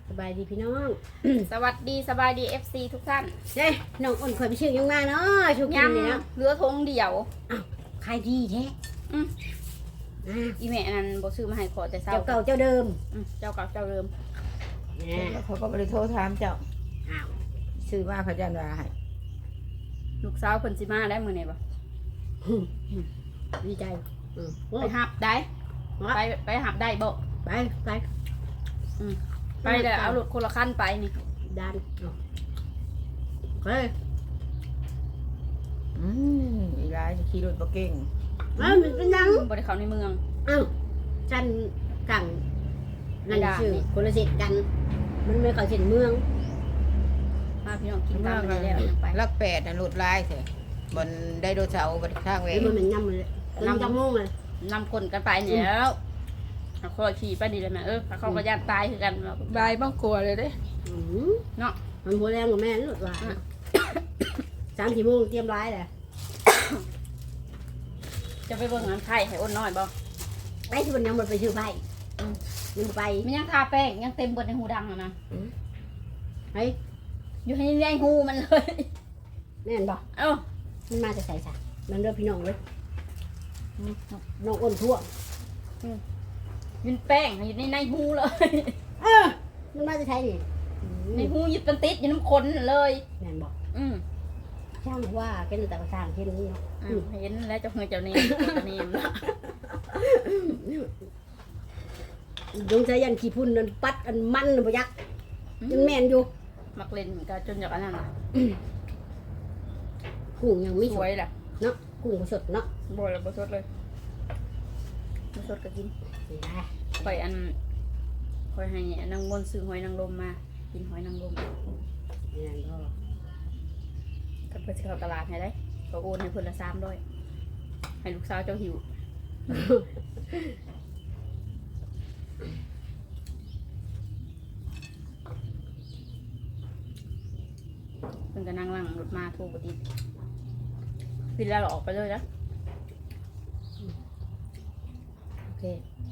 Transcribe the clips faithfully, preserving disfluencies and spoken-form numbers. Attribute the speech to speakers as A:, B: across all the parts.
A: สบายดีพี่น้อง
B: สวัสดีสบายดี เอฟ ซี ทุกท่าน
A: เฮ้ยน้องอ้นข่อยไปชื่อยังมาเนาะชุกินนี่เนาะ
B: เรือทงเดี่ยว
A: อ้าวขายดีแท้
B: อืม
A: อ่า
B: อีแม่นั้นบ่ซื้อมาให้ขอแต่เช้า
A: เจ้าเก่าเจ้าเดิม
B: อืมเจ้าเก่าเจ้าเดิม
A: เนี่ย
C: เขาก็บริโทรถามเจ้า
A: อ้าว
C: ซื้อมาเขาจะมาให้
B: ลูกสาวเพิ่นสิมาได้มื้อนี้บ่
A: ดีใจอืมโอ้
B: ไปหับได้ไปไปหับได้บ่
A: ไปไป
B: อืมไปเด้อเอารถคนละคันไปนี่
A: ดันเอาเฮ้ย
C: อืมอีร้ายขี่รถบ่เก่ง
A: เอ้ามันเป็นยัง
B: บ่ได้เข้าในเมือง
A: อ้าวฉันกังนั่นชื่อคนละเสร็จกัน มันไม่เข้าเส้นเมือง
B: มาพี่น้องกินตามไปแล้วยังไป
C: ลักแปดน่ะรถลายเถอะบนไดโนเสาร์บนข้างเว
A: ไอ้
C: ง
A: มันมันย่ำเลยน้ำจังงงเลย
B: นำคนกันไปนี่แล้วเอาคอยขี่ไปนี่เลยแม่เออเขาก็ย่านตายคือกัน
C: บายบ้างกลัวเลยเด้
A: อืม
B: เนาะ
A: มันหัวแรงกว่าแม่นี่หลุดว่าสามสี่โมงเตรียมร้ายแหละ
B: จะไปเบิ่งงานไข่ให้อ้นน้อยบ่
A: ไอ้ที่มันยังมันไปชื่อไปมันไป
B: มันยังทาแป้งยังเต็มบนในหูดังอะนะ
A: เฮ้ย
B: อยู่ให้ในหูมันเลย
A: แม่นบอก
B: เอ้า
A: มันมาจะใส่สะมันเริ่มพี่น้องเลยน้องอ้นทั่ว
B: ยืนแป้งอยู่ในในหูเลย
A: เออมันมาจะใช้นี่
B: ในหูยึดเป็นติดอยู่น้ำขนเลย
A: แม่นบอก
B: อืม
A: ช่างว่าเป็นแต่กระช่างเช่นนี้เนาะ
B: อืมเห็นแล้วเจ้าเฮือเจ้าเนมเจ้าเนมนะ
A: ดวงใจยันขี้พุ่นนั่นปัดอันมันน่ะบ่ยักยังแม่นอยู่
B: มักเล่นก็จนจากอันนั้นน่ะ
A: กุ้งยังไม่
B: ส
A: ส
B: ว
A: วย
B: ยแหละ
A: เนาะกุ้งบ่สดเนาะ
B: บ่อยแล้วบ่สดเลยบ่สดก็กิน
A: นี่ได้
B: คอยอันคอยให้นางมนต์ซื้อหอยนางรมมากินหอยนางรม
A: นี่นั่นก็
B: ก็เพื่อจะเข้าตลาดให้ได้ก็โอนให้เพิ่นละสามร้อยให้ลูกสาวเจ้าหิวเพิ่นก็นั่งหลังรถมาโทรบ่ติดปิดแล้วเราออกไปเลยนะ
A: โอเค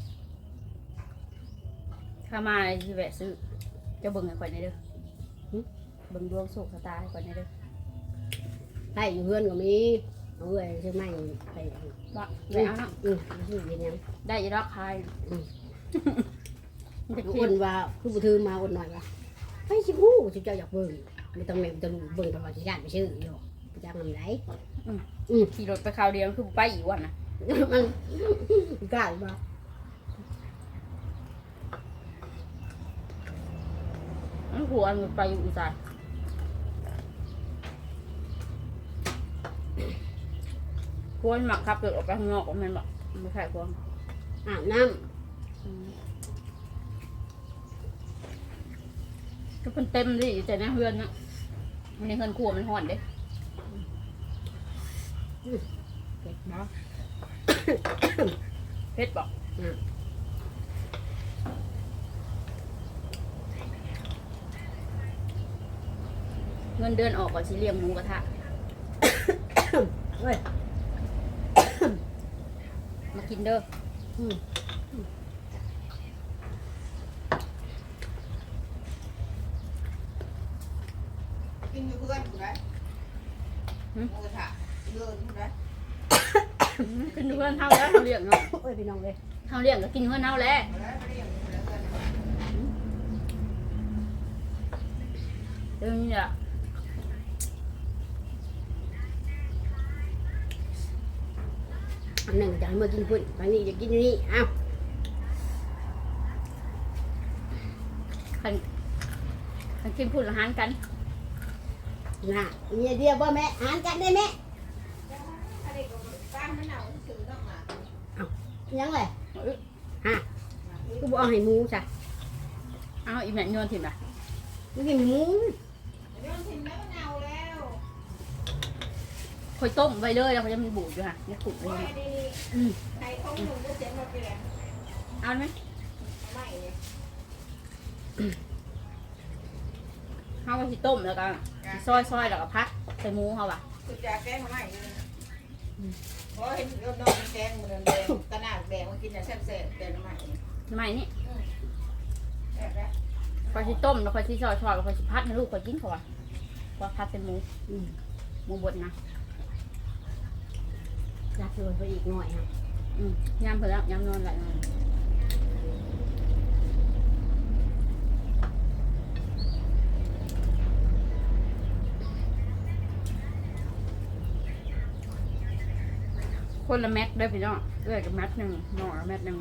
B: ถ้ามาสิแวะซื้อเจ้าเบิ่งให้ข่อยหน่อยเด้อเบิ่งดวงโชคชะตาให้ข่อยหน่อยเด้อ
A: ให้อยู่เพื่อนก็มีเอาเอ้ยซื้อไม้ไป
B: ว่าไปเอาเนาะ
A: อืมซื้อกินยัง
B: ได้อีดอกคาย
A: อืม
B: มันจะ
A: อ้
B: คิด
A: นว่าคือบุถือมาอ้นหน่อยว่าไปชิบูชิเจ้าอยากเบิ่งไม่ต้องแม่ต้องเบิ่งตลอดที่ญาติไปชื่ออยู่ไปจ้างนำไหน
B: ขี่รถไปคราวเดียวคือไปอีกวันนะ
A: มันกล้าหรือเปล่า
B: มันหัวมันไปอยู่อีสานควรหมักขับรถออกไปข้างนอกมันบอกไม่ใช่ควร
A: อาบน้
B: ก็เป็นเต็มดิแต่ในเฮือนนะในเฮือนครัวมันห่อนเด้
A: ำเก็บเนาะ
B: เพชรบอกเงินเดือนออกก่อนสิเลี้ยงหมูกระทะ
A: เฮ้ย
B: มากินเด้อ
A: อืม
C: กินอยู่เพื่อนถูกไหมหมูกระทะเดินถูกไหม
B: กินเพื่อนเท่าแล้วเขาเลี้ยงเนาะ
A: โอ้ยพี่น้องเลย
B: เขาเลี้ยงก็กินเพื่อนเท่าแล้ว
C: แล้วไม่ได้อย่างนี้แล้วกัน
B: เดี๋ยวนี้แหละ
A: อันหนึ่งจะให้มากินพุ่นอันนี้จะกินนี่อ้าว
B: คันคันกินพูดละหานกัน
A: น่ะเนี่ยเดียวบ่แม่หารกันได้แม่ยังเลยฮะกูบอกเอาให้หมูจ้ะ
B: เอาอีแม่โยนถิ่นอ่ะ
A: ไม่กินหมู
B: คอยต้มไว้เลยแล้วเขาจะมันบูดอยู่ค่ะเนี่ยขุดเลยอืมเอาไหมเขาก็สิต้มแล้วก็ซอยซอยแล้วก็พัดใส่หมูเขาว่ะ
C: คือจะแกงมาใหม่เลยเพราะเห็นน้องแกงมันแดงตะหนาแดงมากินแต่แซ่บๆแต่น้ำใหม่
B: ทำไมนี่
C: แซ่บแล้ว
B: ไปอยชิต้มแล้วคอยชิซอยชอยแล้วคอยชิพัดให้ลูกคอยกินเขาว่าว่าพัดเป็นหมู
A: อืม
B: หมูบดนะ
A: รักเลยไปอีกหน่อยฮะ
B: อืมยำเพิ่นแล้วยำนอนหลายนอนคนละแม็กได้พี่น้องเลือกกับแม็กหนึ่งหน่อแม็กหนึ่ง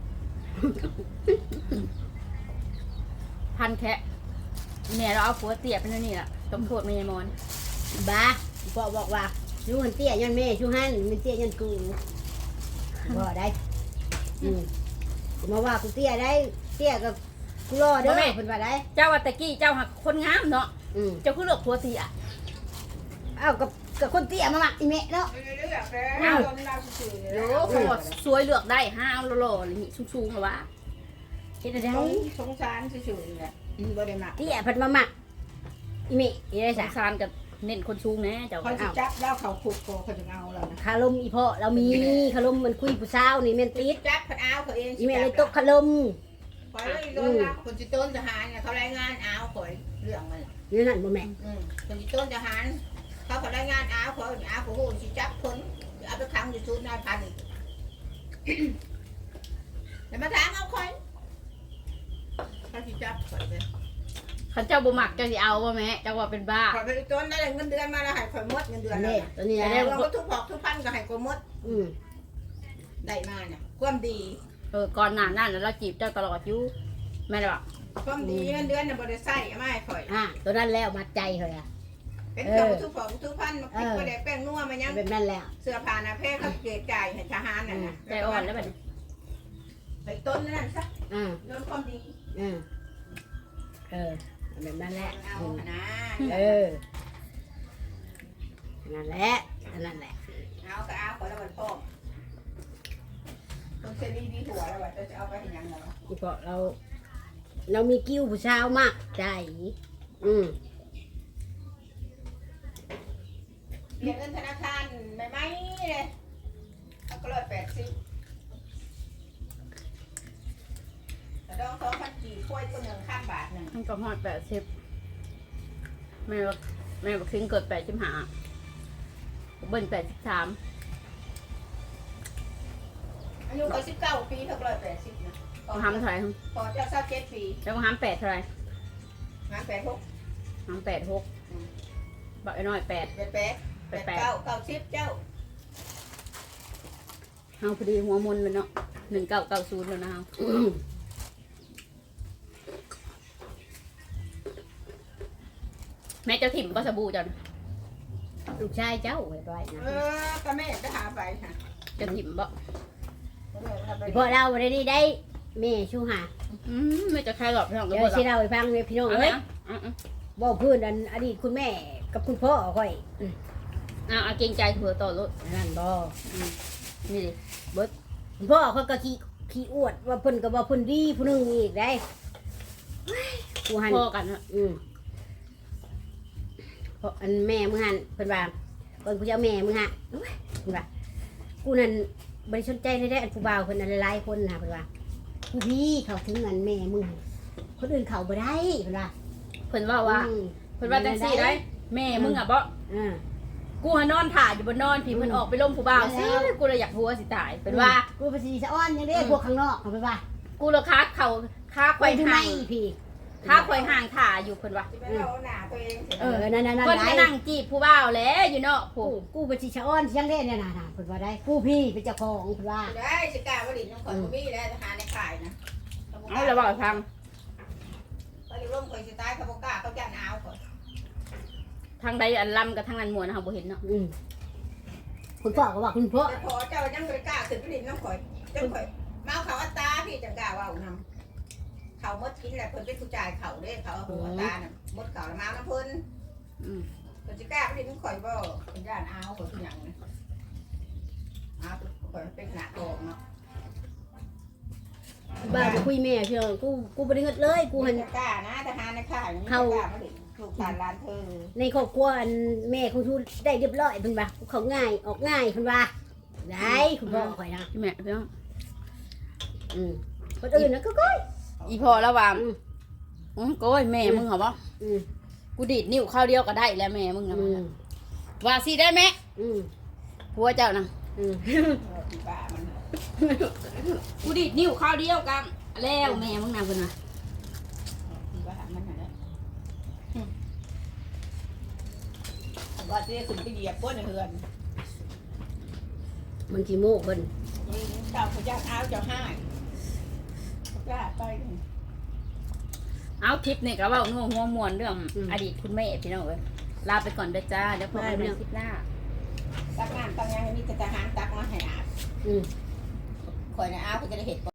B: พันแคะแม่เราเอาผัวเตี๋ยเป็นนี่แหละต้องโทษเมย์มอน
A: บ้าพ่อบอกว่าชูหันเตี้ยยันแม่ชูหันมันเตี้ยยันกูบ่ได้อืมมาว่ากูเตี้ยได้เตี้ยกับกูรอเด้อเพิ่นว่าได้
B: เจ้าวัตตะกี้เจ้าหักคนงามเนาะ
A: อืม
B: เจ้าคือเลือกผัวเตี๋ย
A: เอ้ากับกับคนเตี้ยมาหมักอีแม่เนาะ
C: เรื่อยๆแล้วต้นเราซื่อๆ
B: โยเขาบอกสวยเลือกได้ห้าวหล่อๆอะไรนี่สูงๆเหรอวะ
A: เฮ็ดได้
C: สงสงสารซื่อๆแหละบ่ได้มา
A: เตี้ยเพิ่นมาหมักอีแม่อีได้
B: ส
A: ซะ
B: งสารกับเน้นคนสูงแน่เจ้า
C: เขาสิจับแล้วเขาขุดโกเขาจะเอาแล้วนะ
A: คารมอีพ่อเรามีคารมมันคุยผู้สาวนี่แม่นติด
C: จับเพิ่นเอาเขาเอง
A: อีแม่เลยตกคารม
C: ปล่อยเลยโดนละคนสิต้นทหารเนี่ยเขารายงานเอาข่อยเรื่องมัน
A: นี่นั่นบ่แม่
C: อืมคนสิต้นทหารเขาเขารายงานเอาข่อยเอาเขาฮู้สิจับคนเอาไปขังอยู่ศูนย์นายพันอีกแล้วมาถามเอาข่อยเขาสิจับข่อยเลย
B: ขันเจ้าบุหมักเจ้าสิเอาว่าแม่เจ้าว่าเป็นบ้า
C: ข่อยไปต้นได้เงินเดือนมาแล้วให้ข่อยหมดเงินเดือนแล้ว
A: นี่ตัวนี้
C: แต่
A: นะ
C: เราก็ทุกพอกทุกพันก็ให้ข่อยหมด
A: อืม
C: ได้มาเนี่ยความดี
B: เออก่อนหน้านั้นเราจีบเจ้าตลอดอยู่แม่เลยบอก
C: ความดีเงินเดือนน่ะบ่ได้ใช้เอามาให้ข่อย
A: อ่าตัวนั้นแล้วมัดใจเฮาอ่ะ
C: เป็นเครื่องทุกพอกทุกพันมาคิดบ่ได้แป้งนัวมายัง
A: แบบนั้นแล้ว
C: เสื้อผ้าหน้าเพศเขาเกณฑ์จ่ายให้ทหารน่ะนะ
B: ใจอ่อนแล้วแบบนี้
C: ไปต้นนั่นซะ
A: อ่า
C: เรื่องความดี
A: อ่าเออแบบนั้นแหละ
C: เอา
A: อืม
C: นะ
A: เออนั่นแหละนั่นแหละ
C: เอาก็เอาขอแล้วมันพ่อคนเซรีดีหัวแล้วว่าจะเอาไปเห็นยังไง
A: อีพอเรา เรามีกิ้วผู้สาวมากใจอืม
C: เรียนเงินธนาคารไม่ไหมเลยเอาก็ร้อยแปดสิบแต่ดองสองพันกี่ถ้วยตัวหนึ่งข้ามบาทหนึ่ง
B: ทั้งกระหอดแปดสิบแม่บอกแม่บอกคิงเกิดแปดสิบห้าเบิ้ลแปดสิบสาม
C: อายุก็สิบเก้าปีเท่าร้อยแปดสิบนะ
B: ก็ห้ามเท่าไหร่
C: พอเจ้าเศร้าเจ็ดปี
B: แล้วก็ห้ามแปดเท่าไหร่
C: งานแปดหก
B: ห้ามแปดหกบอกไอ้น้อยแปด
C: แปดแปดแปดเก้าเก้าสิบเจ้า
B: เฮาพอดีหัวมุนเลยเนาะหนึ่งเก้าเก้าศูนย์แล้วนะเฮา
A: อืม
B: แม่เจ้าถิ่มก็สบู่จัน
A: ลูกชายเจ้าไว้ไว้นะ
C: เออก็แม่ไปหาไปค่ะ
B: เจ้าถิ่มบ่
A: อีพอเราได้ดีได้แม่ชูหา
B: อืมไม่จะใครหรอกพี่น้อง
A: เดี๋
B: ก็
A: ยว
B: บ่หร
A: สิ
B: อก
A: เราไปฟังเลยพี่น้อง
B: เอา
A: เอ้
B: ไหม
A: ย
B: อ่ะอ่ะ
A: บอกเพื่อนอันอดีตคุณแม่กับคุณพ่อค่อยอืม
B: อ่ะเอาเกรงใจถั่วต่อรถ
A: นั่นบ่
B: นี่ดิ
A: คุณพ่อเขาก็ขี้ขี้อวดว่าเพิ่นก็ว่าเพิ่นดีผู้หนึงอีกได้กูหัน
B: พ่อกันอะ
A: อืมเพราะอันแม่มึงหันเพิ่นว่าเพิ่นกูจะเอาแม่มึงฮะโอ้ยเพิ่นว่ากูนั่นบ่ได้สนใจได้ได้อันผู้บ่าวเพิ่นอันหลายๆคนน่ะเพิ่นว่ากูพี่เขาถึงอันแม่มึงคนอื่นเขาบ่ได้เพิ่นว่า
B: เพิ่นว่าว่า
A: อืม
B: เพิ่นว่าจังซี่ได้แม่มึงอ่ะบ่
A: อ่า
B: กูหานอนถ่าอยู่บนนอนพี่เพิ่นออกไปล้มผู้บ่าวซิกูเลยอยากหัวสิตายเพิ่นว่า
A: กูภาษีสะอ้อนยังได้พวกข้างนอกเอาไปว่า
B: กูเลยค้าเข่าค้าไข
A: ไป
B: ว่
A: ทำไม
B: ห่าง
A: พี่
B: ค้าไขว่ห่างถ่าอยู่เพิ่นว่า
C: จะไปเอาหน้าตัวเอง
A: เออนั่นนั่นนั่น
B: เพิ่นก็
A: ได้
B: นั่งจีบผู้บ่าวแหล้วอยู่เนาะ
A: กู
B: ผู้
A: กูภาษีสะอ้อนยังได้เนี่ยนะเพิ่นว่าได้กูพี่เป็นเจ้าของเพิ่นว่า
C: ได้สกาวดินน้องขอยมีแล้วทหารในข่ายนะ
B: เอาแล้วบอกให้ฟัง
C: เขาอยู่ร่มคอยสไตล์เขาบอกกล้าเขาจันเอาก่อน
B: ทางใดอันลำกับทางนั้นมวนนะเฮาบ่เห็นเนาะ
A: อืมคุณพ่อก็ว่าคุณพ่อ
C: แต่พอเจ้ายังไม่กล้าขึ้นไปดินน้องข่อยเจ้าข่อยมาเขาอัตราพี่จังกล้าว่านำเขามดกินแหละเพิ่นเป็นผู้จ่ายเขาเด้เขาหัวตาน่ะมดเขามาน้ำเพิ่น
B: อืม
C: เพิ่นจะกล้าไปดินน้องข่อยบ่เป็นย่านเอาข่อยเป็นหยังนะเอาข่อยเป็นหน้าตองเนาะ
A: บ้าไปคุยแม่เชียวกูกูบ่ได้เงิดเลยกูหัน
C: กล้านะทหารในข่ายนี่กล้ามาดิลูกหลานหลานเธอ
A: ในครอบครัวอันแม่ของทูได้เรียบร้อยเพิ่นว่ากูเขาง่ายออกง่ายเพิ่นว่าได้คุณพ่อข่อยนะ
B: พี่แม่พี่น้อง
A: อืมคนอื่นนะก็ก้อย
B: อีพอแล้วว่า
A: อืม
B: อือโก้ยแม่มึงเหรอบ่
A: อืม
B: กูดีดนิ้วข้าวเดียวก็ได้แล้วแม่มึงนะ
A: อื
B: มัน
A: ม
B: น่ะว่าสิได้ไหม
A: อืม
B: ผัวเจ้านะ
A: อืม
C: พี่บ้ามัน
B: กูดีดนิ้วข้าวเดียวกันแล้วแม่มึงนะเพิ่นว่า
C: พี่บ้ามันน่ะนะว่าจะขึ้นไปเหยียบก้นเฮือน
A: มันขี้โมกเพิ่น
C: เจ้าพระเจ้าเท้าเจ้าห้าจ้าไป
B: เอาคลิปนี่ก็เว้านัวหัวม่วนเรื่องอดีตคุณแม่พี่น้องเอ้ยลาไปก่อนเด้อจ้าเดี๋ยวพบกันในคลิปหน้า
C: ตักงานตักงานมีแต่ทหารตักมาให้อาบ
A: อืม
C: คอยนะอาบเพื่อจะได้เห็ด